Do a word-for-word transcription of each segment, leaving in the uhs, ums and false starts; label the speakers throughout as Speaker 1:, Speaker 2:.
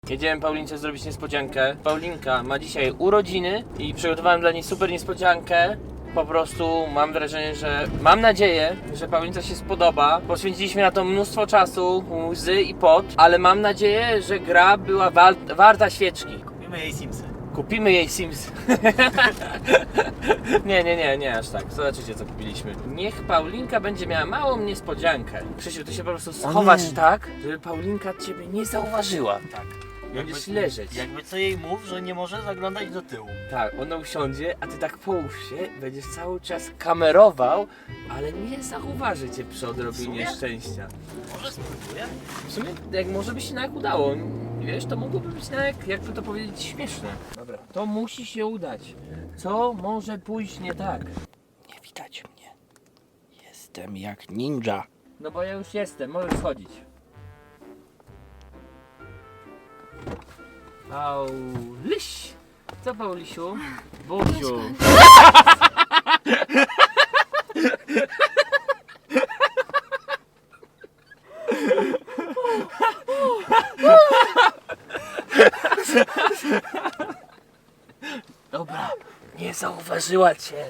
Speaker 1: Jedziemy Paulince zrobić niespodziankę. Paulinka ma dzisiaj urodziny i przygotowałem dla niej super niespodziankę. Po prostu mam wrażenie, że mam nadzieję, że Paulince się spodoba. Poświęciliśmy na to mnóstwo czasu, łzy i pot, ale mam nadzieję, że gra była wa warta świeczki.
Speaker 2: Kupimy jej Simsy.
Speaker 1: Kupimy jej Sims. nie, nie, nie, nie aż tak. Zobaczycie, co kupiliśmy. Niech Paulinka będzie miała małą niespodziankę. Krzysiu, ty się po prostu schowasz tak, żeby Paulinka ciebie nie zauważyła.
Speaker 2: Tak.
Speaker 1: Będziesz leżeć.
Speaker 2: Jakby co jej mów, że nie może zaglądać do tyłu.
Speaker 1: Tak, ona usiądzie, a ty tak połóż się, będziesz cały czas kamerował, ale nie zauważy cię przy odrobinie szczęścia.
Speaker 2: Może spróbuję?
Speaker 1: W sumie, jak może by się nawet udało, wiesz, to mogłoby być nawet, jakby to powiedzieć, śmieszne. Dobra, to musi się udać. Co może pójść nie tak?
Speaker 2: Nie widać mnie. Jestem jak ninja.
Speaker 1: No bo ja już jestem, możesz schodzić. Pauliś! Co Paulisiu? Buziu! Dobra, nie zauważyła cię.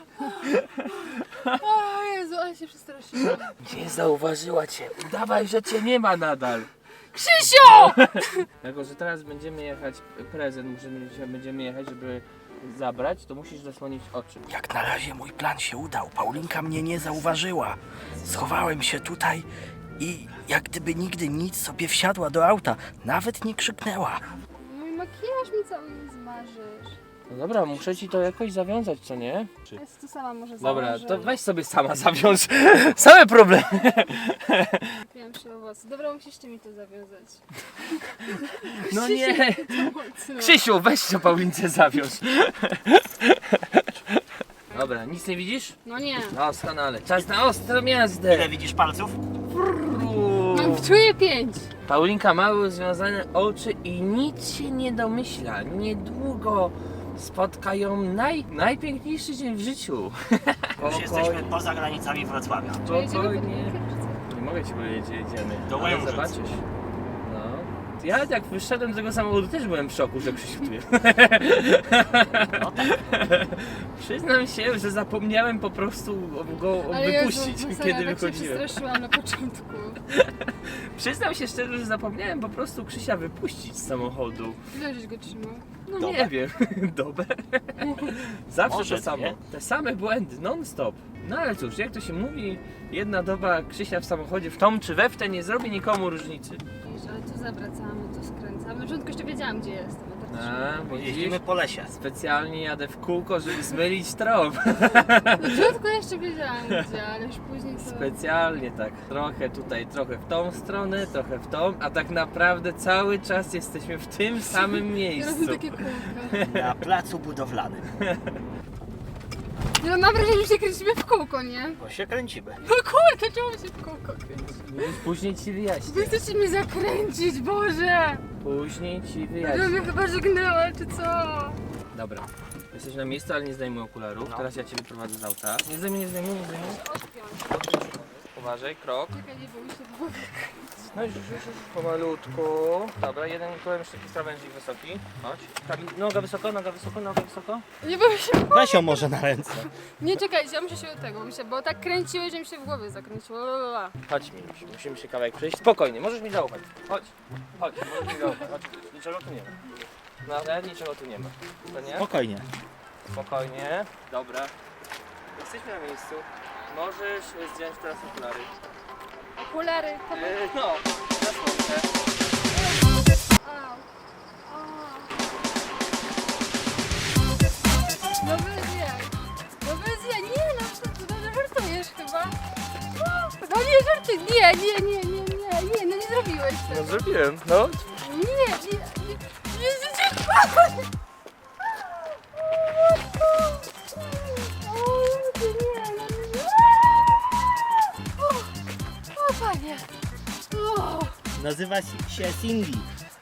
Speaker 3: O Jezu, ale się przestraszyłam.
Speaker 1: Nie zauważyła cię. Udawaj, że cię nie ma nadal.
Speaker 3: Krzysiu!
Speaker 1: Jako, że teraz będziemy jechać, prezent musimy, będziemy jechać, żeby zabrać, to musisz zasłonić oczy.
Speaker 2: Jak na razie mój plan się udał. Paulinka mnie nie zauważyła. Schowałem się tutaj i jak gdyby nigdy nic sobie wsiadła do auta. Nawet nie krzyknęła.
Speaker 3: Mój makijaż mi cały nie zmarzysz.
Speaker 1: No dobra, muszę ci to jakoś zawiązać, co nie?
Speaker 3: Ja to sama może
Speaker 1: Dobra,
Speaker 3: założę.
Speaker 1: to weź sobie sama zawiąż. Same problemy.
Speaker 3: Kupiłam się owoce. Dobra, musisz ty mi to zawiązać.
Speaker 1: No nie.
Speaker 3: Mocno.
Speaker 1: Krzysiu, weź to Paulince zawiąż. Dobra, nic nie widzisz?
Speaker 3: No nie.
Speaker 1: Doskonale. Czas na ostrą jazdę.
Speaker 2: widzisz palców?
Speaker 3: Mam czuję pięć.
Speaker 1: Paulinka ma związane oczy i nic się nie domyśla. Niedługo spotka ją naj, najpiękniejszy dzień w życiu.
Speaker 2: Już jesteśmy poza granicami Wrocławia.
Speaker 3: Czy jedziemy pod
Speaker 1: Spokojnie.
Speaker 3: Linkę, czy co?
Speaker 1: Nie mogę ci powiedzieć, gdzie jedziemy.
Speaker 2: Do
Speaker 1: ale
Speaker 2: Łężyc.
Speaker 1: zobaczysz. No. Ja jak wyszedłem z tego samochodu też byłem w szoku, że Krzysiu tu jest.
Speaker 2: No tak.
Speaker 1: Przyznam się, że zapomniałem po prostu go
Speaker 3: Ale
Speaker 1: wypuścić,
Speaker 3: Jezu, no serio,
Speaker 1: kiedy
Speaker 3: tak się
Speaker 1: wychodziłem.
Speaker 3: przestraszyłam na początku.
Speaker 1: Przyznam się szczerze, że zapomniałem po prostu Krzysia wypuścić z samochodu.
Speaker 3: Ile żeś go trzymał?
Speaker 1: No
Speaker 2: Dobę.
Speaker 1: nie wiem, dobę. Zawsze
Speaker 2: Może
Speaker 1: to samo.
Speaker 2: dwie.
Speaker 1: Te same błędy, non stop. No ale cóż, jak to się mówi, jedna doba Krzysia w samochodzie w tom czy we w te nie zrobi nikomu różnicy.
Speaker 3: Wiesz, ale tu zawracamy, tu skręcamy. Na początku jeszcze wiedziałam, gdzie jestem. A teraz
Speaker 1: A, widzisz?
Speaker 2: Jeździmy po lesie.
Speaker 1: Specjalnie jadę w kółko, żeby zmylić trop.
Speaker 3: Na początku jeszcze wiedziałam, gdzie, ale już później to...
Speaker 1: Specjalnie tak. Trochę tutaj, trochę w tą stronę, trochę w tą, a tak naprawdę cały czas jesteśmy w tym samym
Speaker 3: Ja
Speaker 1: miejscu.
Speaker 3: robię takie kółka.
Speaker 2: Na placu budowlanym.
Speaker 3: No mam wrażenie, że się kręcimy w kółko, nie?
Speaker 2: Bo się kręcimy.
Speaker 3: No kurde, czemu się w kółko kręci?
Speaker 1: Już później ci
Speaker 3: Wy
Speaker 1: wyjaśnię.
Speaker 3: chcecie mnie zakręcić, Boże!
Speaker 1: Później ci
Speaker 3: Ja
Speaker 1: wyjaśnię.
Speaker 3: mnie chyba żegnęła, czy co?
Speaker 1: Dobra. Jesteś na miejscu, ale nie zdejmuj okularów.
Speaker 2: No.
Speaker 1: Teraz ja cię wyprowadzę z auta. Nie zdejmuj, nie zdejmuj, nie zdejmuj.
Speaker 3: Odpiąć.
Speaker 1: Uważaj, krok.
Speaker 3: Czekaj, nie bój się, bo...
Speaker 1: No już, już, już, już. Pomalutku. Dobra, jeden kołem jeszcze taki krawężnik wysoki. Chodź. Kamil, noga wysoko, noga wysoko, noga wysoko.
Speaker 3: Nie bój się.
Speaker 2: Weź ją może na ręce.
Speaker 3: Nie, czekajcie, ja muszę się od tego, muszę, bo tak kręciłeś, że mi się w głowie zakręciło. Lalalala.
Speaker 1: Chodź mi, musimy się kawałek przejść. Spokojnie, możesz mi zaufać. Chodź, chodź, możesz mi zaufać. Chodź, niczego tu nie ma. Nawet niczego tu nie ma. To nie?
Speaker 2: Spokojnie.
Speaker 1: Spokojnie. Dobra. Jesteśmy na miejscu. Możesz zdjąć teraz okulary.
Speaker 3: Okulary, to by...
Speaker 1: Yy, no, na słońce.
Speaker 3: Au. A. No bez jaj. No bez jaj. Nie, no co ty, no żartujesz chyba. No nie, żartuj. Nie, nie, nie, nie, nie, nie, no nie zrobiłeś
Speaker 1: No
Speaker 3: tego.
Speaker 1: zrobiłem, no.
Speaker 3: Nie, nie, nie, nie, życie. O, panie. O,
Speaker 2: Nazywa się Cindy.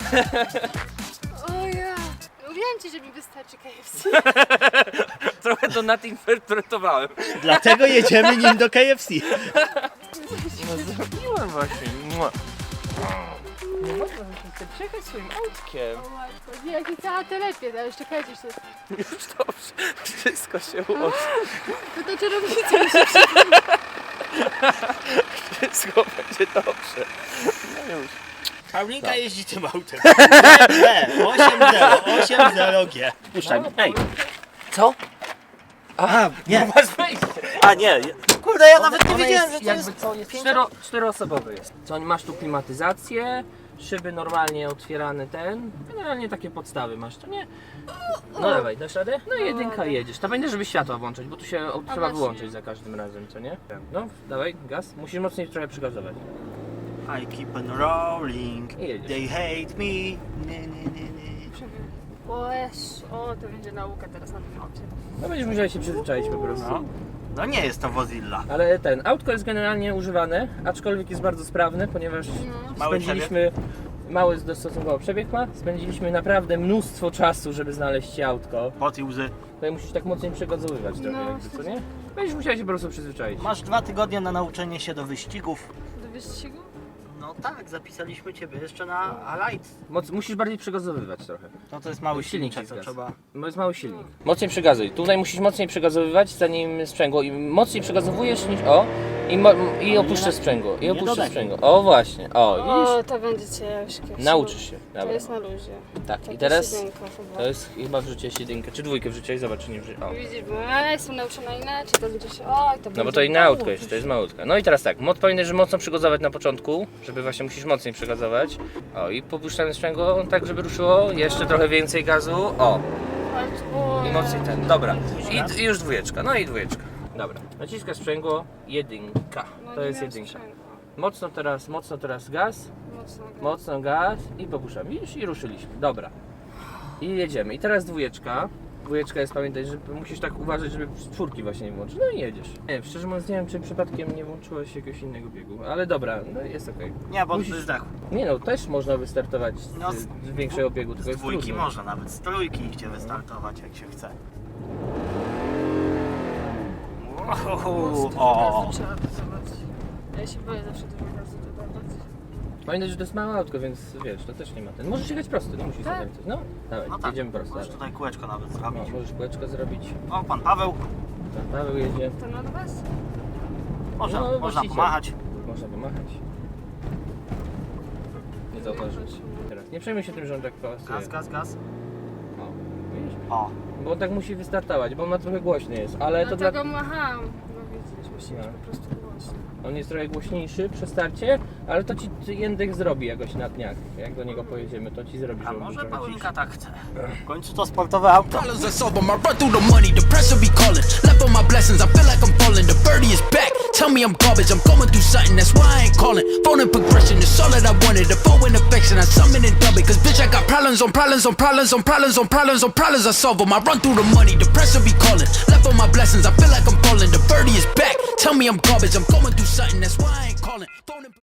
Speaker 3: o ja. Mówiłam ci, że mi wystarczy K F C.
Speaker 1: Trochę to nadinterpretowałem.
Speaker 2: Dlatego jedziemy nim do K F C.
Speaker 1: No zrobiłem właśnie. Mua. Nie można, że chcę przyjechać swoim autkiem.
Speaker 3: O matko, nie, jak cała telepie, to jeszcze czekajcie się.
Speaker 1: Już dobrze, wszystko się ułoży.
Speaker 3: To to czarownica mi się
Speaker 1: Wszystko będzie dobrze. No już.
Speaker 2: Paulinka jeździ tym autem. B, osiem zero, osiem zero G. Puszczaj, ej.
Speaker 1: Co?
Speaker 2: Aha, nie.
Speaker 1: Masz wejście.
Speaker 2: A nie, kurde, ja nawet nie
Speaker 1: Ona
Speaker 2: wiedziałem,
Speaker 1: jest,
Speaker 2: że to
Speaker 1: jakby
Speaker 2: jest...
Speaker 1: co, jest cztero, czteroosobowy jest. Co, masz tu klimatyzację, szyby normalnie otwierane ten, generalnie takie podstawy masz, to nie? No dawaj, dasz radę? No i jedynka i jedziesz. To będzie, żeby światła włączyć, bo tu się o, trzeba
Speaker 3: właśnie.
Speaker 1: wyłączyć za każdym razem, co nie? No, dawaj, gaz. Musisz mocniej trochę przygazować.
Speaker 2: I keep on rolling,
Speaker 1: I jedziesz.
Speaker 2: they hate me. Nie, nie, nie, nie.
Speaker 3: O, Jezu, o, to będzie nauka teraz na tym aucie.
Speaker 1: No będziesz musiał się przyzwyczaić po prostu.
Speaker 2: No. No nie jest to Wozilla.
Speaker 1: Ale ten, autko jest generalnie używane, aczkolwiek jest bardzo sprawne, ponieważ
Speaker 3: No.
Speaker 2: Mały
Speaker 1: spędziliśmy, mały stosunkowo przebieg ma, spędziliśmy naprawdę mnóstwo czasu, żeby znaleźć ci autko.
Speaker 2: Pot i łzy.
Speaker 1: Tutaj musisz tak mocniej przegazowywać trochę,
Speaker 3: No,
Speaker 1: jakby, co nie? Będziesz musiał się po prostu przyzwyczaić.
Speaker 2: Masz dwa tygodnie na nauczenie się do wyścigów.
Speaker 3: Do wyścigu?
Speaker 2: No tak, zapisaliśmy Ciebie jeszcze na Alight.
Speaker 1: Moc, musisz bardziej przegazowywać trochę.
Speaker 2: No to jest mały
Speaker 1: Silnik
Speaker 2: silnik,
Speaker 1: ci
Speaker 2: to
Speaker 1: zgasł.
Speaker 2: trzeba...
Speaker 1: Bo jest mały silnik. Mocniej przegazuj. Tutaj musisz mocniej przegazowywać, zanim sprzęgło. Im mocniej przegazowujesz niż... O! I, mo, i opuszczasz sprzęgło. I
Speaker 2: nie
Speaker 1: opuszczasz
Speaker 2: dodaj.
Speaker 1: sprzęgło. O właśnie. O, widzisz?
Speaker 3: O, to będzie ciężkie.
Speaker 1: Nauczysz się.
Speaker 3: To
Speaker 1: Dobra.
Speaker 3: jest na luzie.
Speaker 1: Tak,
Speaker 3: Taka
Speaker 1: i teraz
Speaker 3: siedemka chyba.
Speaker 1: to jest chyba wrzuciłeś jedynkę, czy dwójkę wrzuciłeś, zobacz czy nie wrzuciłeś. O.
Speaker 3: Widzisz, bo ja jestem nauczona inaczej, to będzie się... Oj, to
Speaker 1: No bo
Speaker 3: będzie
Speaker 1: to inne autko
Speaker 3: nauczysz.
Speaker 1: jest, to jest malutka. No i teraz tak, mod powinieneś mocno przygazować na początku, żeby właśnie musisz mocniej przygazować. O i popuszczamy sprzęgło tak, żeby ruszyło, jeszcze trochę więcej gazu. O, i mocniej ten, dobra. I, I już dwójeczka, no i dwójeczka. Dobra, naciskasz sprzęgło, jedynka,
Speaker 3: No,
Speaker 1: to
Speaker 3: nie
Speaker 1: jest
Speaker 3: miałam
Speaker 1: jedynka.
Speaker 3: sprzęgła.
Speaker 1: Mocno teraz, mocno teraz gaz,
Speaker 3: Mocno.
Speaker 1: mocno gaz i popuszczamy. Widzisz, i ruszyliśmy, dobra. I jedziemy. I teraz dwójeczka. Dwójeczka jest, pamiętaj, że musisz tak uważać, żeby czwórki właśnie nie włączyć. No i jedziesz. Nie wiem, szczerze mówiąc nie wiem, czy przypadkiem nie włączyłeś jakiegoś innego biegu, ale dobra, no jest okej.
Speaker 2: Nie, bo
Speaker 1: Musisz-
Speaker 2: Musisz... zdechł.
Speaker 1: Nie no, też można wystartować z,
Speaker 2: No, z-
Speaker 1: z większego biegu, tylko
Speaker 2: Z
Speaker 1: jest
Speaker 2: dwójki
Speaker 1: trudno.
Speaker 2: można, nawet z trójki idzie wystartować jak się chce.
Speaker 3: Mocno
Speaker 2: O,
Speaker 3: gazu trzeba dodawać. Ja się boję zawsze dużo gazu dodawać.
Speaker 1: Pamiętaj, że to jest małe autko, więc wiesz, to też nie ma ten. Możesz jechać prosto, nie musisz
Speaker 3: Tak.
Speaker 1: zakręcać. No, dawaj,
Speaker 2: no tak,
Speaker 1: jedziemy prosto.
Speaker 2: możesz
Speaker 1: dawaj.
Speaker 2: tutaj kółeczko nawet
Speaker 1: No,
Speaker 2: zrobić.
Speaker 1: możesz kółeczko zrobić.
Speaker 2: O, pan Paweł,
Speaker 1: Pan Paweł jedzie.
Speaker 3: To od was?
Speaker 2: można,
Speaker 1: No,
Speaker 2: można
Speaker 1: właściciel.
Speaker 2: pomachać.
Speaker 1: Można pomachać. Nie zauważyć. Teraz nie przejmuj się tym, że on tak pasuje.
Speaker 2: Gaz, gaz, gaz.
Speaker 1: O, widzisz?
Speaker 2: O,
Speaker 1: Bo on tak musi wystartować, bo on ma trochę głośny jest, ale to
Speaker 3: Dlatego
Speaker 1: dla...
Speaker 3: macham. No widzisz, musi być
Speaker 1: No.
Speaker 3: po prostu głośno.
Speaker 1: On jest trochę głośniejszy przy starcie, ale to ci Jędek zrobi jakoś na dniach. Jak do niego pojedziemy, to ci zrobi,
Speaker 2: a
Speaker 1: żeby był
Speaker 2: może
Speaker 1: trochę
Speaker 2: Paulinka
Speaker 1: ciszy.
Speaker 2: tak chce. W końcu to sportowe auto.
Speaker 4: Dollars are sober, my run through the money, the pressure be calling. Left on my blessings, I feel like I'm falling. The birdie is back. Tell me I'm garbage, I'm going through something, that's why I ain't calling. Phone and progression is all that I wanted. The phone and affection, I summon and dub it. Cause bitch, I got problems on problems on problems on problems on problems on problems I solve them. I run through the money, the pressure be calling. Left on my blessings, I feel like I'm falling. The birdie is back. Tell me I'm garbage, I'm going through something, that's why I ain't calling. Phone and